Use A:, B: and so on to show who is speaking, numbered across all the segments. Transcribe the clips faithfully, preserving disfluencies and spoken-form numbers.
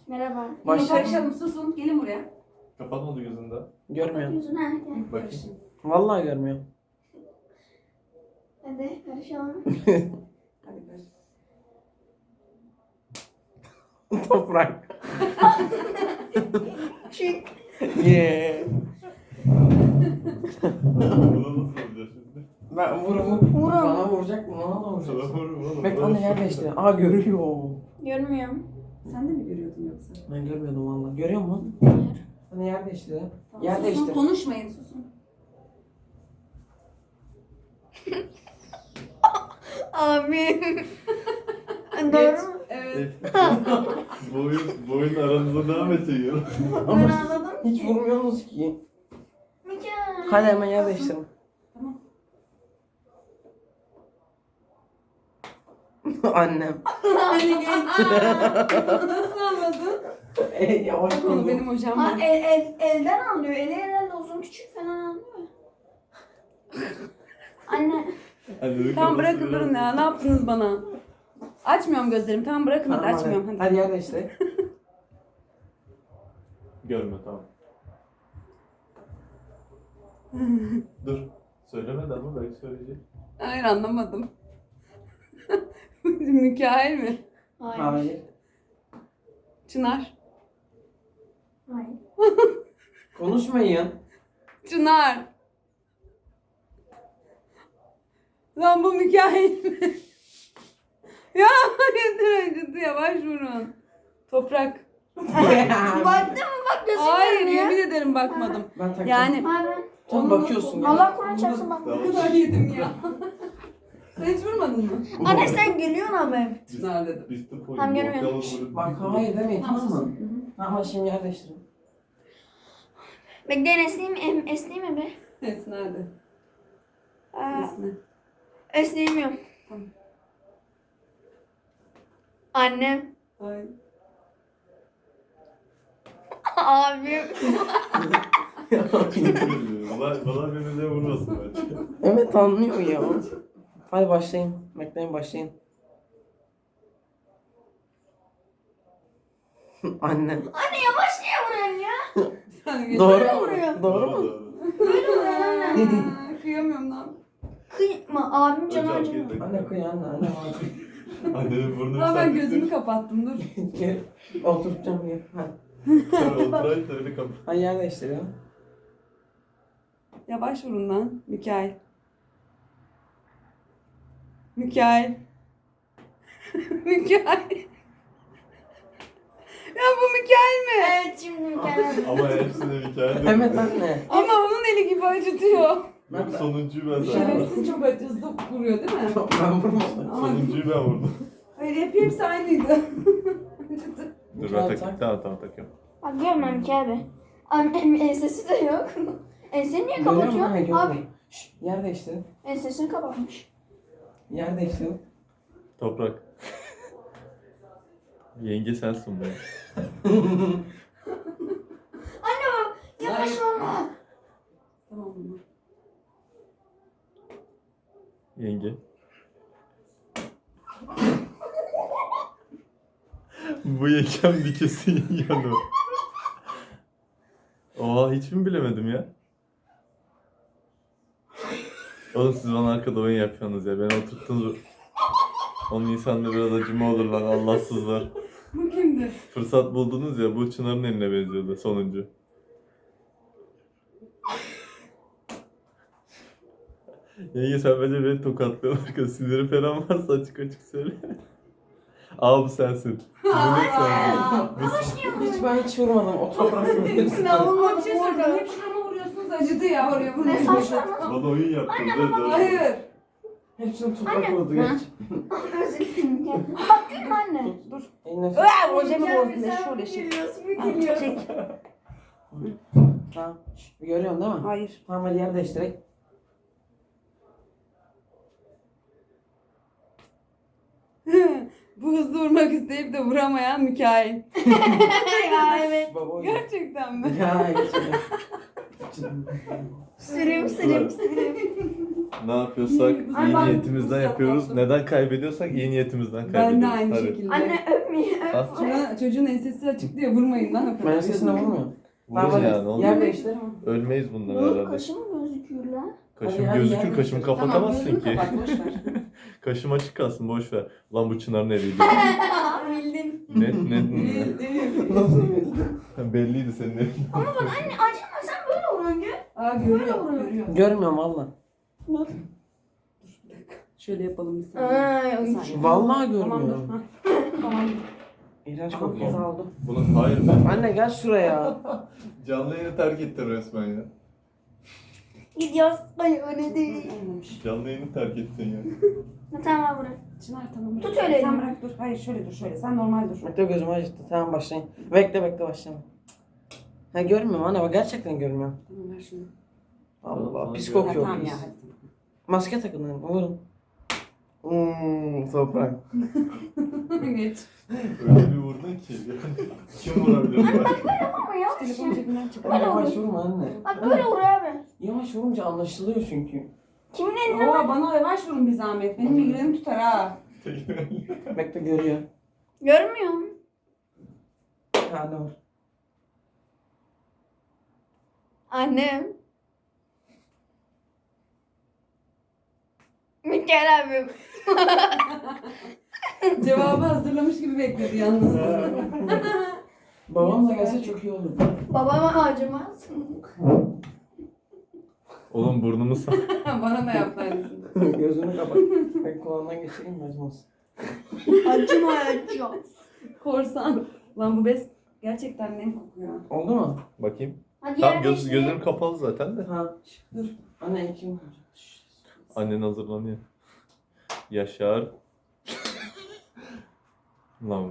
A: Merhaba.
B: Başlayalım.
C: Karışalım, susun. Gelin buraya.
D: Kapatmadı gözünde.
B: Görmüyorum.
A: Yüzüne gel.
D: Bakayım.
B: Vallahi görmüyorum.
A: Hadi karışalım.
C: Hadi karış.
B: Toprak.
A: Çık.
B: Yeah.
D: Bunu nasıl olacak şimdi?
B: Ben vurumu
A: Vurum.
B: bana vuracak mı? Bana da
D: Sana
B: vuracak.
D: vurur oğlum.
B: Bak anne yer değişti. Aa görüyor.
A: Görmüyorum.
C: Sen de mi görüyordun yoksa?
B: Ben görmüyordum valla. Görüyor musun?
A: Hayır.
B: Anne yer değişti.
C: Tamam,
B: Yer
C: susun,
B: değişti.
C: konuşmayın, susun.
A: Abi. Doğru mu?
C: Evet.
D: bu oyun, bu oyun aranızda devam edecek.
A: Ben anladım
B: Hiç
A: ki.
B: vurmuyorsunuz ki.
A: Mükemmel.
B: Hadi hemen yer değiştirin.
C: Tamam.
B: Annem.
C: Hadi geç. Nasıl anladın?
B: E, yavaş
C: Bak onu
B: vurdu.
C: benim hocam
A: Ha,
C: var.
A: el, el, elden anlıyor. Eli herhalde uzun küçük falan anlıyor. Anne.
C: Tamam bırakın durun ya. Ne yaptınız bana? Açmıyorum gözlerimi. Tamam bırakın hadi
B: Tamam,
C: açmıyorum.
B: hadi.
C: Hadi.
B: Hadi yer değiştirin.
D: Görme tamam. Dur. Söylemedi ama belki söyleyecek.
C: Hayır anlamadım. Mikail mi?
A: Hayır.
B: Hayır.
C: Çınar.
A: Hayır.
B: Konuşmayın.
C: Çınar. Lan bu Mikail mi? Ya yeter acıdı yavaş vurun. Toprak.
A: Baktın mı bak gözüm
C: Hayır
A: görmüyor.
C: yemin ederim bakmadım.
B: Ben taktım.
C: Yani
A: Hayır ben.
B: Tam bakıyorsun ya.
A: Allah Kur'an çarpsın bak.
C: Ne kadar yedim ya. Sen hiç vurmadın mı?
A: Anne sen gülüyorsun abi.
C: Çınar dedim.
D: Biz tıp
A: Tamam,
D: oyunu.
A: görmüyorum.
B: Bak hayır demeyin tamam mı?
C: susun.
B: Ama şimdi yer değiştirin.
A: Bekleyin esneyeyim, em, esneyeyim mi be?
C: Esna hadi.
A: Aa,
C: Esna.
A: esneyemiyorum.
C: Tamam.
A: Annem.
C: Ay.
A: Abim.
D: Bana, bana birbirine vurmasın bence.
B: Evet anlıyor ya. Hadi başlayın. Bekleyin başlayın. Annem.
A: Anne yavaş niye vuruyorsun ya?
C: Sen
B: Doğru
A: Böyle
B: mu?
A: vuruyor.
B: Doğru mu?
A: Böyle vuruyor anne.
C: Aa, kıyamıyorum lan.
A: Kıyma abim canı
D: Hocam
A: acıyor.
D: girdik.
B: Anne kıy anne anne.
D: Annenin burnunu
C: Aa, ben
D: sardık.
C: gözümü kapattım dur.
B: Gel. Oturtacağım ya. Hadi.
D: Sonra oturayım da öyle kapat.
B: Hadi yer değiştir ya.
C: Yavaş vurun lan Mikail. Mikail. Mikail. Ya bu Mikail mi?
A: Evet şimdi mükemmel.
D: Ama hepsine hikaye de.
B: Evet anne.
C: Ama onun eli gibi acıtıyor.
D: Yok sonuncuyu ben zaten.
C: Şerefsiz çok acısı vuruyor değil mi?
B: Ben vurmadım.
D: Sonuncuyu ben vurdum.
C: Hayır hep hepsi aynıydı. Acıdı.
D: Dur ben takayım. Tamam tamam takıyorum.
A: Bak görmem ki abi. Annem ensesi de yok. Enseni niye
B: Görüyor musun?
A: kapatıyor?
B: Ha, gördüm.
A: Abi
B: Şşş, yer değiştir.
A: ensesini kapatmış.
B: Yer değiştir.
D: Toprak. Yenge sensin be.
A: Anne bak yavaş vurma.
C: Tamam mı?
D: Yenge. Bu yengem bir kesin yanı. Oha hiç mi bilemedim ya? Oğlum siz bana arkada oyun yapıyorsunuz ya. Beni oturttunuz. Onun insanda biraz acıma olur lan Allahsızlar.
C: Bu kimdi?
D: Fırsat buldunuz ya bu Çınar'ın eline benziyordu sonuncu. Yenge sen bence beni tokatlıyorsun arkadaş. Siniri falan varsa açık açık söyle. Aa bu sensin. Bu net sensin. Bu
B: Hiç ben hiç vurmadım. O toprak
C: Hepsini alınma bir şey söyleyeceğim. Hep şurama vuruyorsunuz acıdı ya oraya bunu.
A: Ne saçma.
D: bana oyun yaptın. Dur, dur.
C: Hayır.
B: Hepsini toprak vurdu
A: Hı?
B: geç.
A: Özür dilerim. Bak gülme anne.
C: Dur.
B: Eline tut.
C: Aa, hocamı bozdun ne şöyle şey.
A: Çek.
B: Tamam. Şşş, görüyorsun değil mi?
C: Hayır.
B: Tamam hadi yer değiştirek.
C: Bu hızlı vurmak isteyip de vuramayan Mikail.
A: Ya evet.
B: Baba oyun.
C: Gerçekten mi?
B: Ya geçelim.
A: Sürüm sürüm sürüm.
D: Ne yapıyorsak
C: Ay,
D: iyi
C: ben
D: niyetimizden
C: bu
D: yapıyoruz.
C: sattım.
D: Neden kaybediyorsak iyi niyetimizden
C: Ben
D: kaybediyoruz.
C: de aynı
D: Hadi.
C: şekilde.
A: Anne öpmeyin.
D: Al.
C: Şuna, çocuğun ensesi açık diye vurmayın lan.
B: Ben sesine vurmuyorum.
D: Vurun
B: Tamam,
D: yani. Oğlum.
B: yer değiştir.
D: Ölmeyiz bundan
A: Bu
D: herhalde.
A: kaşım gözüküyor lan.
D: Kaşım
B: Hadi, hadi,
D: gözükür,
B: yer
D: kaşımı
B: değiştir.
D: kapatamazsın
C: Tamam,
D: ki.
C: gözünü kapat, boş ver.
D: Kaşım açık kalsın, boş ver. Lan bu Çınar nereydi?
A: Bildin.
D: ne, ne,
C: Değil, değil.
D: ne? Belliydi senin elin.
A: Ama bak anne acıma sen böyle vuruyorsun ya.
C: Aa görüyor, görüyor.
B: Görmüyorum valla.
A: Dur.
C: Bir dakika. Şöyle yapalım bir saniye.
A: Ay,
C: Bir
A: ay.
C: saniye.
B: Vallahi
C: Tamam dur.
B: görmüyorum.
C: Ha. Tamam.
B: İğrenç
C: Tamam.
B: kokuyor. Azaldı.
D: Bunun hayır ben.
B: Anne gel şuraya.
D: Canlı yayını terk ettin resmen ya.
A: Gidiyoruz. Ay öyle değil.
C: Olmamış.
D: Canlı yayını terk ettin ya.
A: Tamam bırak.
C: Çınar tamam.
A: Tut öyle
C: Sen
A: elini.
C: bırak dur. Hayır şöyle dur şöyle. Sen normal dur.
B: Bekle gözümü acıttı. Tamam başlayın. Bekle bekle başlayalım. Ha görmüyorum anne bak gerçekten görmüyorum.
C: Tamam ver şunu.
B: Allah
D: Tamam,
B: pis
D: tamam.
C: Ha,
B: kokuyor
C: tamam
B: pis.
C: ya hadi.
B: Maske takın lan vurun. Hmm, toprak.
C: Geç.
D: Öyle bir vurdun ki. Yani kim vurabilir bak.
A: Ama yavaş
C: Telefonu
A: ya.
C: cebinden çık.
A: Böyle
B: Yavaş
A: olur.
B: vurma anne.
A: Bak böyle vuruyor abi.
B: Yavaş vurunca anlaşılıyor çünkü.
A: Kimin eline
C: Oo bana yavaş vurun bir zahmet. Benim migrenim tutar ha.
B: Bekle görüyor.
A: görmüyor musun?
B: Ha ne var?
A: Annem. Mikael abim.
C: Cevabı hazırlamış gibi bekledi yalnız.
B: Babam da gelse çok iyi olur.
A: Babama acımaz.
D: Oğlum burnumu sağ.
C: Bana da yaptı aynısını.
B: Gözünü kapat. Ben kulağından geçireyim mi acımaz.
A: Acıma acıyor.
C: Korsan. Lan bu bez gerçekten nem kokuyor.
B: Oldu mu?
D: Bakayım.
A: Hadi
D: Tam
A: yer
D: göz,
A: değiştirelim.
D: gözlerim kapalı zaten de.
B: Ha.
C: Dur.
B: Anne kim?
D: Annen hazırlanıyor. Yaşar. Lan.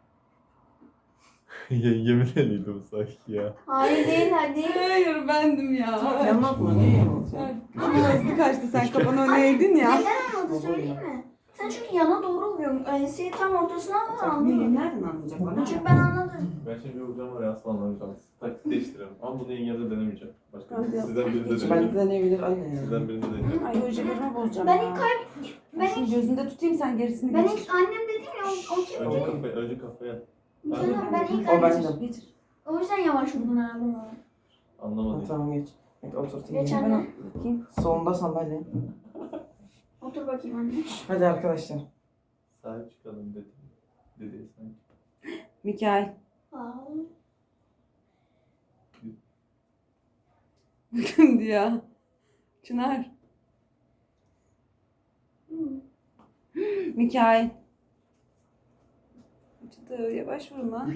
D: Yengemin eliydi bu sanki ya.
A: Hayır değil hadi.
C: Hayır bendim ya.
B: Yanlatma ne yanlatma?
C: Ama hızlı kaçtı sen kafanı öne eğdin ya.
A: Neden anladı söyleyeyim mi? Sen çünkü yana doğru vuruyorsun. Enseyi tam ortasına al anladın mı?
C: Nereden anlayacak bana?
A: Çünkü ben anladım.
D: Ben şimdi bir vuracağım var ya asla anlamayacağım. Taktik değiştirelim. Ama bunu yengemde denemeyeceğim. Başka
C: Hadi yap.
D: sizden birinde
B: Ben
D: deneyeceğim.
B: de deneyebilir anne ya.
D: Sizden birinde deneyeceğim.
C: Ay hocalarımı bozacağım
A: Ben
C: ya.
A: ilk kay...
C: Ben
A: Ben
C: şunu
A: ilk...
C: gözünde tutayım sen gerisini
A: Ben
C: geçir.
A: ilk annem dedim ya o, o kim?
D: Önce kafaya, önce kafaya.
A: Mikael abi, ben ilk
B: O
A: annem.
B: bendim.
C: Geçir.
A: O yüzden yavaş vurdun herhalde bana.
B: Ha,
D: Anlamadım.
B: tamam geç. Bekle oturtayım.
A: Geçen-
C: Ben bakayım.
B: Solunda sandalye.
A: Otur bakayım anne.
B: Hadi arkadaşlar.
D: Sahip çıkalım dedi. Dedi sanki.
C: Mikael.
A: Aa.
C: Kimdi ya? Çınar. Mikael. Çıtı yavaş vurun lan.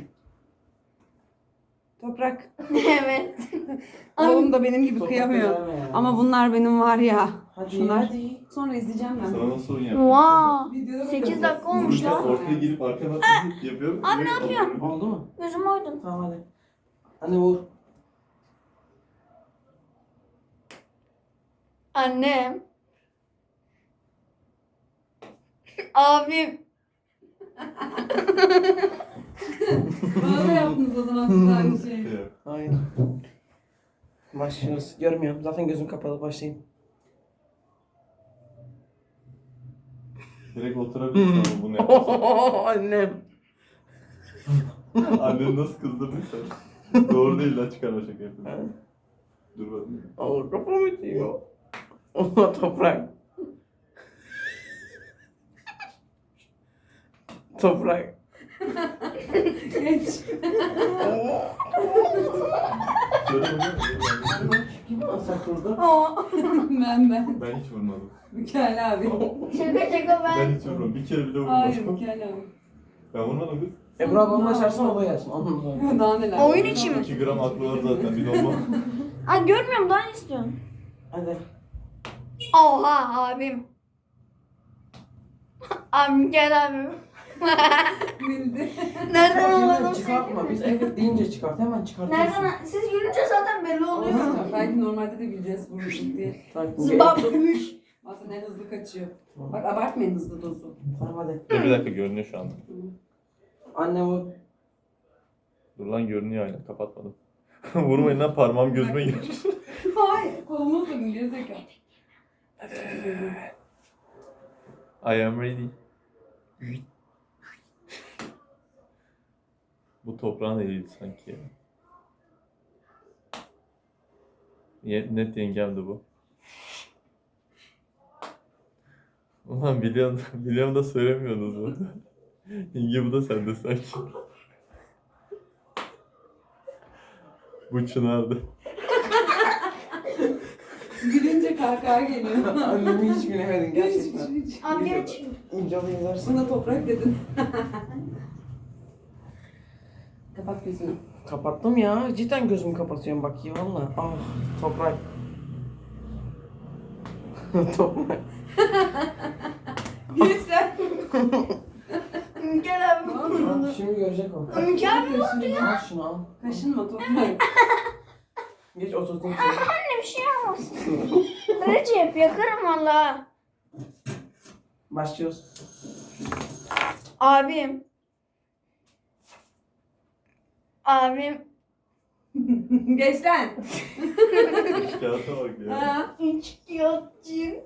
C: Toprak.
A: Evet.
C: Oğlum da benim gibi
B: Toprak
C: kıyamıyor.
B: verme ya.
C: Ama bunlar benim var ya.
B: Hadi
C: Şunlar.
B: hadi.
C: Sonra izleyeceğim ben.
D: Sana nasıl oyun yapayım?
A: Wow.
C: Videoda
A: sekiz
C: bakarız.
A: dakika olmuş
D: İşte
A: lan.
D: ortaya girip arkana yapıyorum.
A: Abi ne yapıyorsun?
B: Oldu mu?
A: Gözüm oydun.
B: Tamam hadi. Anne vur.
A: Annem. Abim.
C: Bana da yaptınız o zaman siz aynı şeyi.
D: Şey yap.
B: Hayır. Başlıyoruz. Görmüyorum. Zaten gözüm kapalı. Başlayayım.
D: Direkt oturabilirsin ama bunu yaparsan.
B: Annem.
D: Anneni nasıl kızdırdın sen? Doğru değil lan çıkarma şaka yapıyorum. Dur bakayım.
B: Allah kafam içiyor. Allah toprak. Toprak.
C: Geç.
D: Şöyle bakayım.
B: Kim alsak burada?
A: Aa.
C: ben ben.
D: Ben hiç vurmadım.
C: Mikael abi.
A: Şaka şaka ben.
D: Ben hiç vurmadım. Bir kere bile
C: Hayır
D: vurmadım.
C: Mikael abi.
D: Ben vurmadım kız.
B: Ebru ablamla açarsan o da gelsin. Onunla da.
C: Daha neler.
A: Oyun içi mi?
D: iki gram aklı var zaten. Bir normal.
A: Ay görmüyorum daha ne istiyorsun?
B: Hadi.
A: Oha abim. Abim gel abim.
C: Bildi.
A: Nereden
B: Hemen
A: anladın
B: çıkartma.
A: sen?
B: Biz evet deyince çıkart. Hemen çıkartıyorsun.
A: Nereden? Siz gülünce zaten belli oluyor.
B: Tamam.
C: Belki normalde de bileceğiz vurmuşum diye.
B: Tamam.
A: Zıbapmış.
C: Bazen en hızlı kaçıyor. Bak abartmayın hızlı dozu.
B: Tamam hadi.
D: Dur bir dakika görünüyor şu anda.
B: Anne vur.
D: Dur lan görünüyor aynen kapatmadım. Vurmayın lan parmağım gözüme girer.
C: Hayır. Kolumu ısırdın gerizekalı.
D: I am ready. Bu toprağın eliydi sanki ya. Ye- Net yengemdi bu. Ulan biliyorum, biliyorum da söylemiyorsunuz bunu. Yenge bu da sende sanki. Bu Çınar'dı.
C: Gülünce kahkaha geliyor.
B: Annemi hiç bilemedin gerçekten.
A: Abi geç.
B: İncalı yazarsın.
C: Buna toprak dedin. Kapat gözünü.
B: Kapattım ya. Cidden gözümü kapatıyorum bak ya valla. Ah toprak. Toprak.
C: Gençler.
A: Mükemmel abi.
B: Al, şimdi görecek o.
A: Mükemmel oldu ya.
B: Al şunu al.
C: Kaşınma toprak.
B: Geç oturtayım seni.
A: Anne bir şey yapmasın. Recep yakarım valla.
B: Başlıyoruz.
A: Abim. Abim.
C: Geç lan.
D: Kağıta bak ya.
C: Ha.
A: İçkiyatçı.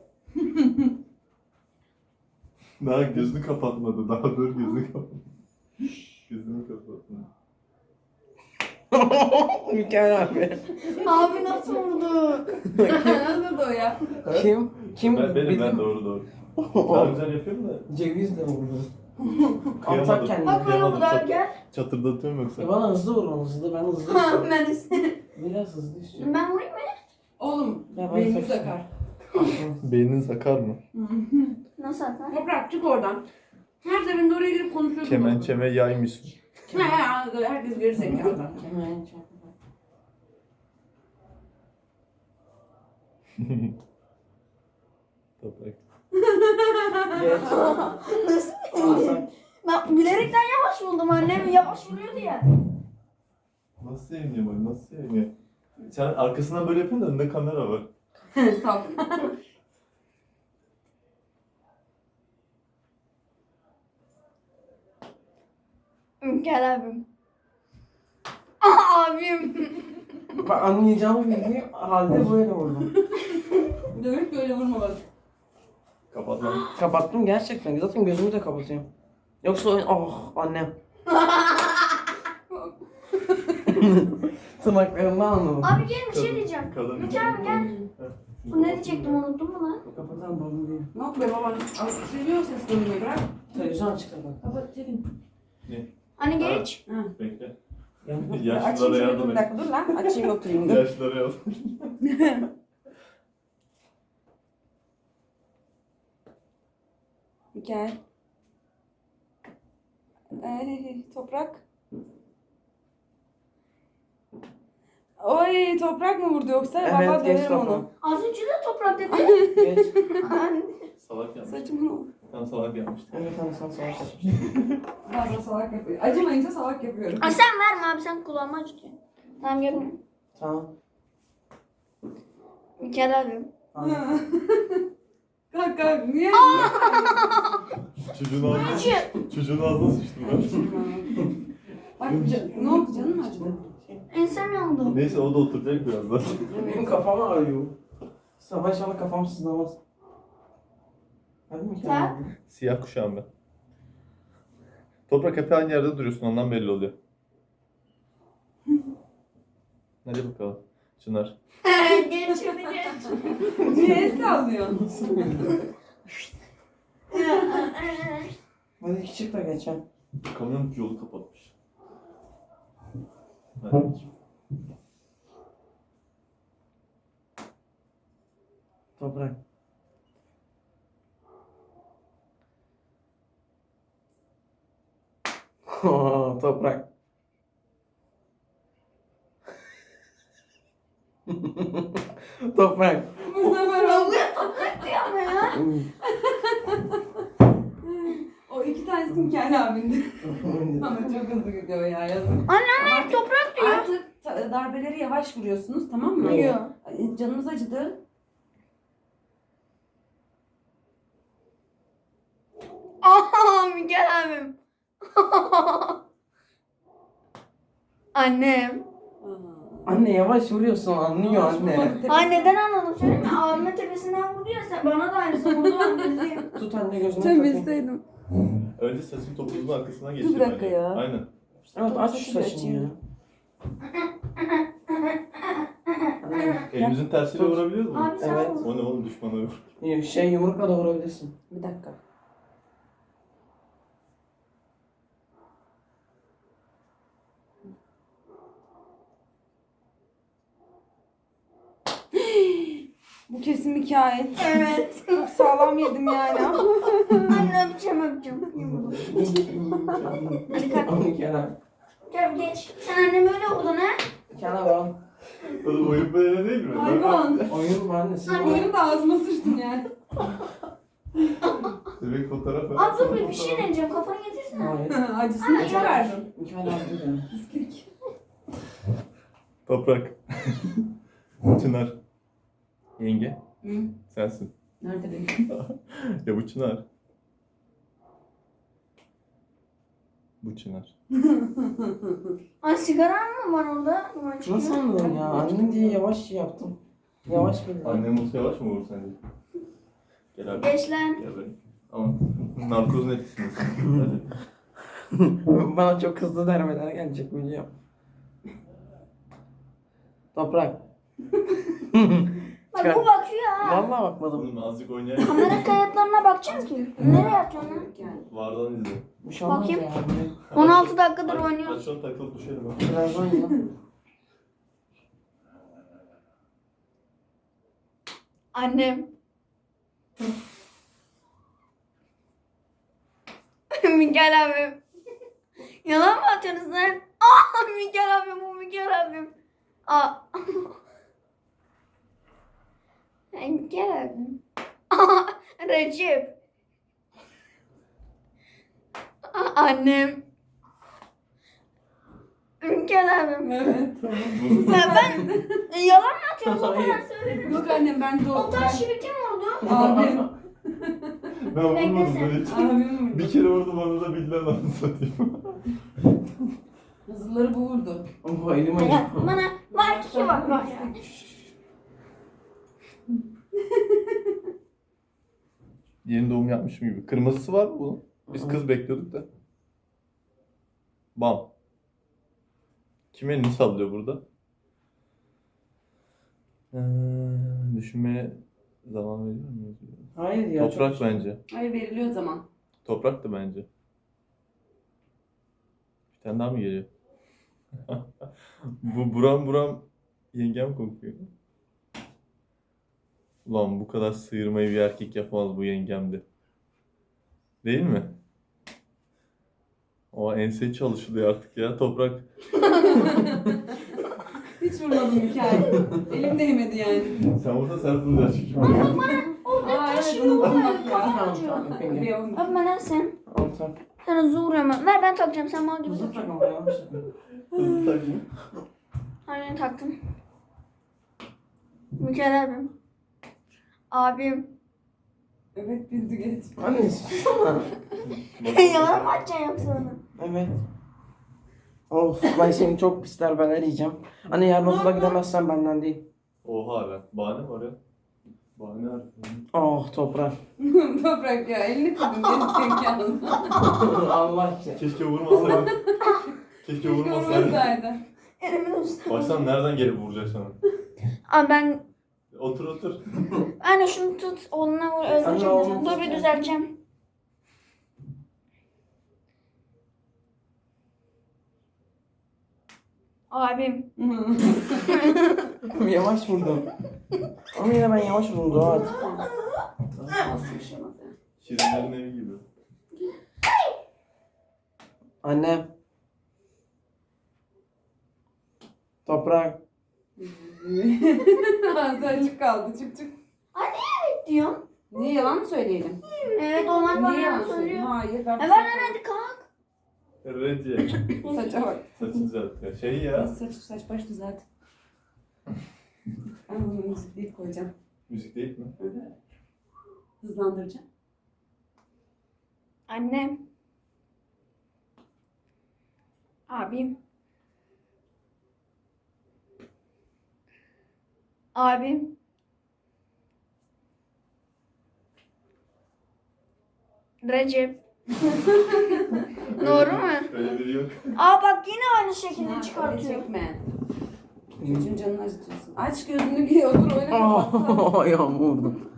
D: Daha gözünü kapatmadı. Daha dur gözünü kapat. Gözünü kapatmadı.
B: Mükemmel abi.
A: Abi nasıl vurdu?
C: Nasıl da o ya?
B: Kim? Kim?
D: Ben, benim
B: Bildim.
D: ben doğru doğru. Daha güzel yapıyorum da.
B: Cevizle vurdu.
D: Kıyamadım.
B: Atak kendini.
A: Bak böyle vurdu abi gel.
D: Çatırdatıyorum yoksa.
B: E bana hızlı vurun hızlı ben hızlı istiyorum.
A: Ben istedim.
B: Biraz hızlı istiyorum.
A: Ben vurayım mı?
C: Oğlum
B: Ya ben
C: beynimiz
B: saçma.
C: akar.
D: Beynin sakar mı?
A: Nasıl atar?
C: Toprak çık oradan. Her seferinde oraya girip konuşuyorsun.
D: Kemençeme yaymışsın.
C: Ne ya? Herkes geri zekalı.
B: Hemen çabuk.
D: Toprak.
B: Geç.
A: Nasıl?
B: Alsak.
A: Ben bilerekten yavaş buldum annem yavaş vuruyordu ya.
D: Nasıl seviniyor bak nasıl seviniyor. Sen arkasından böyle yapıyorsun da önünde kamera var.
C: Saf.
A: Gel abim. Aa, abim.
B: Bak anlayacağımı bildiğim halde böyle vurdum.
C: Dövüp böyle vurma bak.
D: Kapat lan.
B: Kapattım gerçekten. Zaten gözümü de kapatıyorum. Yoksa oyun... Oh annem. Tırnaklarımdan anladım.
A: Abi gel bir şey diyeceğim.
D: Kadın.
A: Mükemmel gel. Bu ne diyecektim unuttum mu lan?
B: Kapatalım babam değil.
C: Ne yapıyor baban? Seviyor ses duymayı bırak.
B: Televizyon açık zaten.
C: Kapat çekin.
A: Hani geç.
C: Ha.
D: Bekle.
B: Yani
D: Yaşlılara
C: Açayım şöyle
D: yardım
C: bir
D: et.
C: dakika dur lan. Açayım oturayım dur.
D: Yaşlılara yardım et.
C: Gel. Ay toprak. Oy toprak mı vurdu yoksa?
B: Evet,
C: Baba
B: geç
C: döverim onu.
B: toprak.
A: Az önce de toprak dedi.
B: Geç.
A: Anne.
D: Salak yapmış.
C: Saçımı ne oldu?
D: Tam salak yapmıştı.
B: Evet hani sen savaş yapmışsın.
C: Bazen salak yapıyor. Acımayınca salak yapıyorum.
A: Ay sen verme abi sen kulağıma acıtıyorsun. Tamam görmüyorum.
B: Tamam.
A: Mükemmel abim.
B: Tamam.
C: Kalk kalk niye?
D: Çocuğun ağzına, çocuğun ağzına sıçtım ben.
C: Bak can- ne oldu canın mı acıdı?
A: Ensem yandı.
D: Neyse o da oturacak birazdan.
B: Benim kafam ağrıyor. Sabah inşallah kafam sızlamaz. Hadi mi
A: Sen?
D: Siyah kuşağım ben. Toprak hep aynı yerde duruyorsun ondan belli oluyor. Hadi bakalım. Çınar.
A: Geç şimdi geç.
C: Niye el sallıyorsun?
B: Hadi küçük de geçen.
D: Kamyon yolu kapatmış. Hadi.
B: Toprak. Toprak. Toprak.
C: Bu sefer oldu.
A: Toprak diyor ama ya.
C: O iki tanesi Mikail abindi. Ama çok hızlı gidiyor ya yazık.
A: Annem hep toprak diyor.
C: Artık ta- darbeleri yavaş vuruyorsunuz tamam mı?
A: Diyor.
C: Ay, Canınız acıdı.
A: Aa Mükemmel abim. Annem.
C: Aa.
B: Anne yavaş vuruyorsun anlıyor anne.
A: Ay neden anladım söyleyeyim mi? Abime tepesinden vurdu ya sen bana da aynısı vurdu ben bildiğim.
B: Tut anne gözünü
C: Sen
B: takayım.
C: bilseydim.
D: Önce saçın topuzun arkasına
C: Dur
D: geçir
C: bir dakika
D: bence.
C: ya.
D: Aynen.
B: Evet aç şu
C: Saçını
B: saçını
C: açayım.
B: ya. Anne,
D: Elimizin tersiyle
B: Tut.
D: vurabiliyor muyuz?
A: Abi sen
B: Evet.
A: vur.
D: O ne oğlum düşmana vur.
B: Şey yumrukla da vurabilirsin.
C: Bir dakika. Bu kesin Mikail.
A: Evet.
C: Çok sağlam yedim yani.
A: Anne öpeceğim öpeceğim. Hadi kalk.
B: Onu kenar.
A: Gel geç. Sen annemi öyle vurdun ha?
B: Kenar al.
D: Oğlum oyun böyle değil mi?
C: Hayvan.
B: Oyun mu anne? Siz
A: Anne.
B: oyun.
C: Benim de ağzıma sıçtın yani.
D: Bebek fotoğrafı.
A: Abi dur bir, bir şey deneyeceğim. Kafanı getirsene.
B: Hayır.
C: Acısını
A: Ay,
C: çıkardım.
B: Mikael abi de.
C: Pislik.
D: Toprak. Çınar. Yenge.
C: Hı?
D: Sensin.
C: Nerede benim?
D: Ya bu Çınar. Bu Çınar.
A: Ay sigaran mı var orada? Duman çıkıyor.
B: Nasıl anladın ya? Annem diye yavaş şey yaptım. Yavaş bildim.
D: Annem olsa yavaş mı vurur sence? Gel abi.
A: Geç lan.
D: Gel böyle. Ama narkozun etkisindesin. Hadi.
B: Bana çok hızlı dermeler gelecek biliyorum. Toprak.
A: Bak bu bakıyor ha.
B: Vallahi bakmadım.
D: Oğlum azıcık oynayalım.
A: Kamera kayıtlarına bakacağım ki. Nereye atıyorsun lan?
C: Yani.
D: Vardan izle.
B: Bir şey olmaz
A: Bakayım.
B: ya.
A: on altı dakikadır
D: Hadi,
A: oynuyoruz.
D: Hadi şu an takılıp düşelim ha.
B: Biraz oyna.
A: Annem. Mikael abim. Yalan mı atıyorsunuz lan? Aa Mikael abim bu Mikael abim. Aa. Ay, Mikael abim. Aa Recep. Aa, annem. Mikael abim.
C: Evet.
A: Sen ben yalan mı atıyorsun? O kadar
B: Hayır.
A: söyledim.
C: Yok annem ben de
A: O
C: o.
A: taş gibi kim vurdu?
C: Abim.
D: Ben vurmadım
A: Beklesene.
D: böyle hiç.
C: Abim
D: Bir
C: vurdu.
D: kere vurdu bana da bildiler lan satayım.
C: Hızlıları bu vurdu.
B: Bu elim
A: Ya,
B: acıyor.
A: bana var ki var var ya.
D: Yeni doğum yapmışım gibi. Kırmızısı var mı bunun? Biz kız bekliyorduk da. Bam. Kim elini sallıyor burada? Ee, düşünmeye zaman veriyor muyuz?
B: Hayır ya.
D: Toprak
B: çok...
D: bence.
C: Hayır veriliyor zaman.
D: Toprak da bence. Bir tane daha mı geliyor? Bu buram buram yengem kokuyor. Ulan bu kadar sıyırmayı bir erkek yapamaz bu yengemdi. Değil mi? O ense çalışılıyor artık ya toprak.
C: Hiç vurmadım Mikail. Elim değmedi yani.
D: Sen burada sert vuracaksın çünkü.
C: Aa evet onu vurmak ya.
B: Tamam tamam. öpeyim.
C: Bir oyun.
A: Abi ben sen.
B: Al tak.
A: Sana zor ama. Ver ben takacağım sen mal gibi
B: Hızlı
A: tak.
B: tak ama yavaş tak.
D: Hızlı takayım.
A: Aynen taktım. Mikael abim. Abim.
C: Evet bildi geç.
B: Anne susana.
A: Yalan mı atacaksın yoksa onu?
B: Evet. Of ben seni çok pis darbeler yiyeceğim. Anne yarın okula gidemezsen benden değil.
D: Oha lan. Bahane var ya. Bahane var.
B: Oh toprak.
C: Toprak ya elini kırdın geri zekalı.
B: Allah işte.
D: Keşke vurmasaydın. Keşke
C: Keşke
D: vurmasaydın.
C: vurmasaydı.
A: Elimin üstüne.
D: Baştan nereden gelip vuracak sana?
A: Abi ben
D: Otur otur.
A: anne şunu tut oğluna vur
B: Anne,
A: özleyeceğim.
B: oğlunu
A: Dur
B: tut
A: bir
B: ya.
A: düzelteceğim. Abim.
B: Yavaş vurdum. Ama yine ben yavaş vurdum Doğa.
C: Nasıl bir şey olmaz ya.
D: Şirinlerin evi gibi.
B: Anne. Toprak.
C: Ağzı açık kaldı çık çık.
A: Diyorum.
C: Niye yalan mı söyleyelim?
A: Evet onlar bana
C: Niye
A: yalan
C: yalan söylüyor?
A: söylüyor.
C: Hayır ben...
A: Evet lan hadi kalk.
D: Redye.
C: Saça bak.
D: Saçı düzelt ya. Şey ya.
C: Saç, saç baş düzelt. Ben bunu müzikleyip koyacağım.
D: Müzik değil mi?
C: Evet. Hızlandıracağım.
A: Annem. Abim. Abim. Recep. Doğru mu?
D: Öyle biri yok.
A: Aa bak yine aynı şekilde
C: Çınar, öyle
A: çıkartıyor.
C: çekme. Çocuğun canını acıtıyorsun. Aç gözünü giy otur öyle kapatsana.
B: Oh, ayağımı vurdum.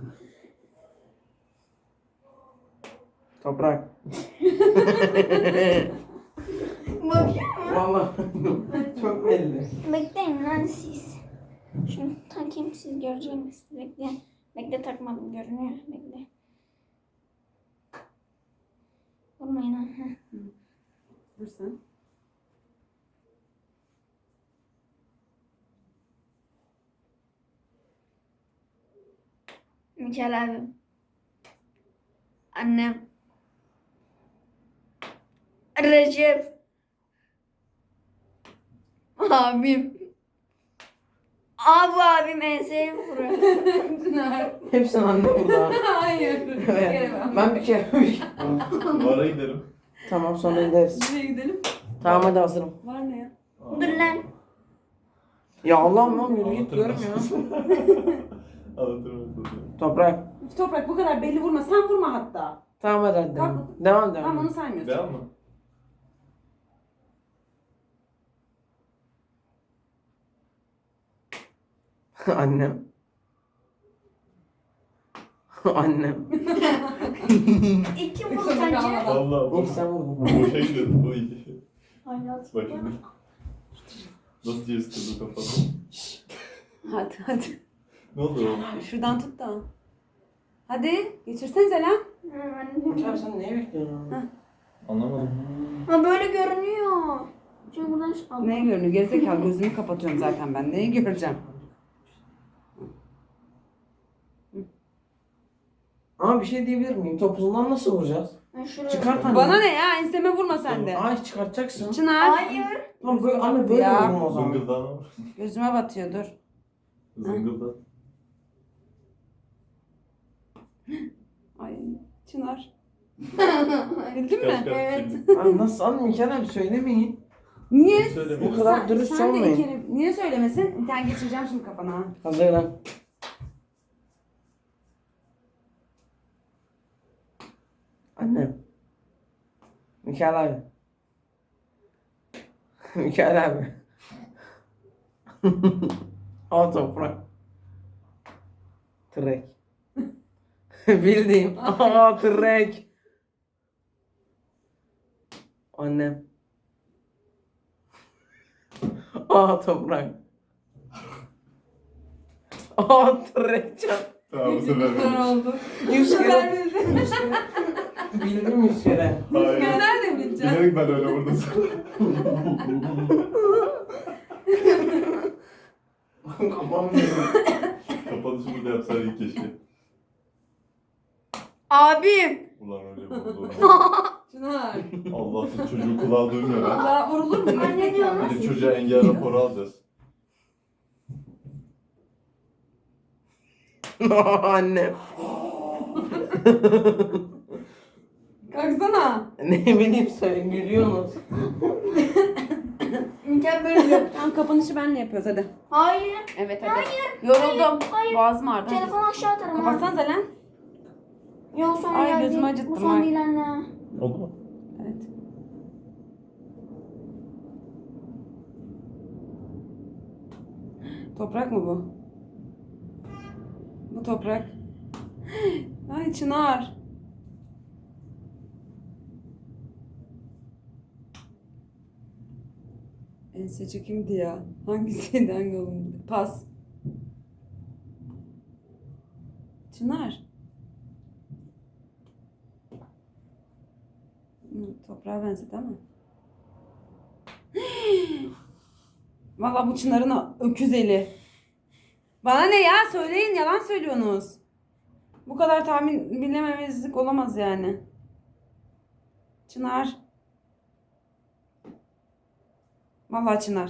B: Toprak.
A: Bakıyor mu?
B: Vallahi çok belli.
A: Bekleyin lan siz. Şunu takayım siz göreceksiniz. Bekle. Bekle takmadım görünüyor. Bekle. Vurmayın ha. Heh.
C: Dur sen.
A: Mikael abim. Annem. Recep. Abim. Abi abim enseye vuruyor.
C: Çınar.
B: Hepsini anne burada.
C: Hayır. Bir kere
B: Evet.
C: ben.
B: Ben bir kere bir kere.
D: Bara gidelim.
B: Tamam sonra gideriz.
C: Nereye gidelim?
B: Tamam hadi hazırım.
C: Var ne ya?
A: Dur lan.
B: Ya Allah'ım lan yürü git
D: Anlatırım
B: diyorum ya.
D: ben. Anlatırım ben sana.
B: Toprak.
C: Toprak bu kadar belli vurma. Sen vurma hatta.
B: Tamam hadi hadi.
C: Tamam.
B: Devam devam.
C: Tamam onu saymıyorsun.
D: Devam mı?
B: Annem. Annem.
A: İki vur sence?
D: Valla
B: İlk sen vurdun.
D: boşa gidiyordu bu iyi.
A: Hayat.
D: Bak şimdi. Nasıl ceviz kırdı kafada.
C: Hadi hadi.
D: Ne oldu oğlum?
C: Şuradan tut da. Hadi geçirsenize lan.
B: Hocam sen neye bekliyorsun?
D: Anlamadım.
A: Ha böyle görünüyor. Şimdi buradan şu al.
C: Neye görünüyor? Gerizekalı gözümü kapatıyorum zaten ben. Neyi göreceğim?
B: Ama bir şey diyebilir miyim? Topuzundan nasıl vuracağız?
A: Ben şuraya.
B: Çıkart anne.
C: Bana ne ya? Enseme vurma sen de.
B: Ay çıkartacaksın.
C: Çınar.
A: Hayır.
B: Tamam böyle anne böyle
C: Ya.
B: vurma o zaman.
D: Zıngıldağına vur.
C: Gözüme batıyor dur.
D: Zıngıldak.
C: Ay Çınar. Bildin mi?
D: Kaç kaç
A: Evet.
D: şimdi.
B: Ay nasıl anne Mikael abi söylemeyin.
C: Niye?
D: Söylemiyorum.
B: Bu kadar
C: Sen-
B: dürüst
C: sen de
B: olmayın.
C: iki kere- Niye söylemesin? Bir tane geçireceğim şimdi kafana.
B: Hazırlan. Annem. Mikael abi. Mikael abi. Al toprak. Trek. Bildiğim. Aa trek. Annem. Aa toprak. Aa trek can.
D: Tamam bu sefer
C: Çınar
D: ben.
C: oldu.
B: Yüz
C: Ben
B: kere.
C: bildim.
B: Bildim yüz kere.
D: Hayır.
C: Ben nereden bileceğim?
D: Bilerek ben öyle vurdum sana.
B: Kafam yiyor.
D: Kapanışımı da yapsaydı ilk keşke.
A: Abim.
D: Ulan öyle vurdu.
C: Çınar.
D: Allah siz çocuğu kulağı duymuyor ha.
C: Daha vurulur mu?
A: Anne diyor lan.
D: Hadi çocuğa engel raporu alacağız.
B: Annem.
C: Kalksana.
B: Ne bileyim sen gülüyorsunuz.
A: Mikael böyle diyor.
C: Tamam kapanışı benle yapıyoruz hadi.
A: Hayır.
C: Evet hadi.
A: Hayır.
C: Yoruldum.
A: Hayır.
C: Boğazım ağrıdı. hadi.
A: Telefonu aşağı atarım ha.
C: Kapatsanıza lan.
A: Yok son
C: Ay,
A: geldi.
C: gözümü acıttım
A: Bu son
C: ha.
A: değil anne.
D: Oldu mu?
C: Evet. Toprak mı bu? Bu toprak. Ay Çınar. Ense kimdi ya? Hangisiydi hangi oğlum? Pas. Çınar. Hı, toprağa benzedi ama. Vallahi bu Çınar'ın öküz eli. Bana ne ya? Söyleyin, yalan söylüyorsunuz. Bu kadar tahmin bilememezlik olamaz yani. Çınar. Vallahi Çınar.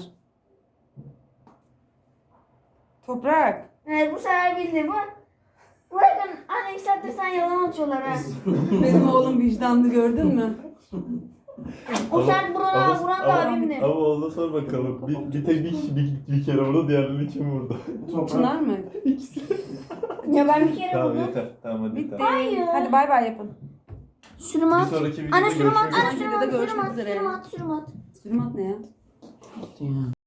C: Toprak.
A: Evet bu sefer bildi bu. Bakın anne iki saattir sen yalan atıyorlar ha.
C: Benim oğlum vicdanlı gördün mü?
A: O
D: Ama-
A: sert vuran
D: ama-
A: vuran da
D: ama-
A: abimdi.
D: Ama ondan sor bakalım. Bir, bir tek bir kişi bir, bir kere vurdu, diğerlerini kim vurdu?
B: Toprak.
C: Çınar mı?
D: İkisi.
A: Ya ben bir kere
D: Tamam
A: vurdum.
D: yeter. Tamam hadi
C: Bitti.
D: yeter.
A: Hayır.
C: Hadi bay bay yapın.
A: Sürüm
D: Bir
A: at.
D: sonraki videoda
A: Ana sürüm at.
D: görüşmek
A: Ana
D: üzere.
A: sürüm
C: Videoda
A: at. Sürüm
C: görüşmek
A: at.
C: üzere.
A: Sürüm at. Sürüm at.
C: Sürüm at ne ya?
B: Bitti ya.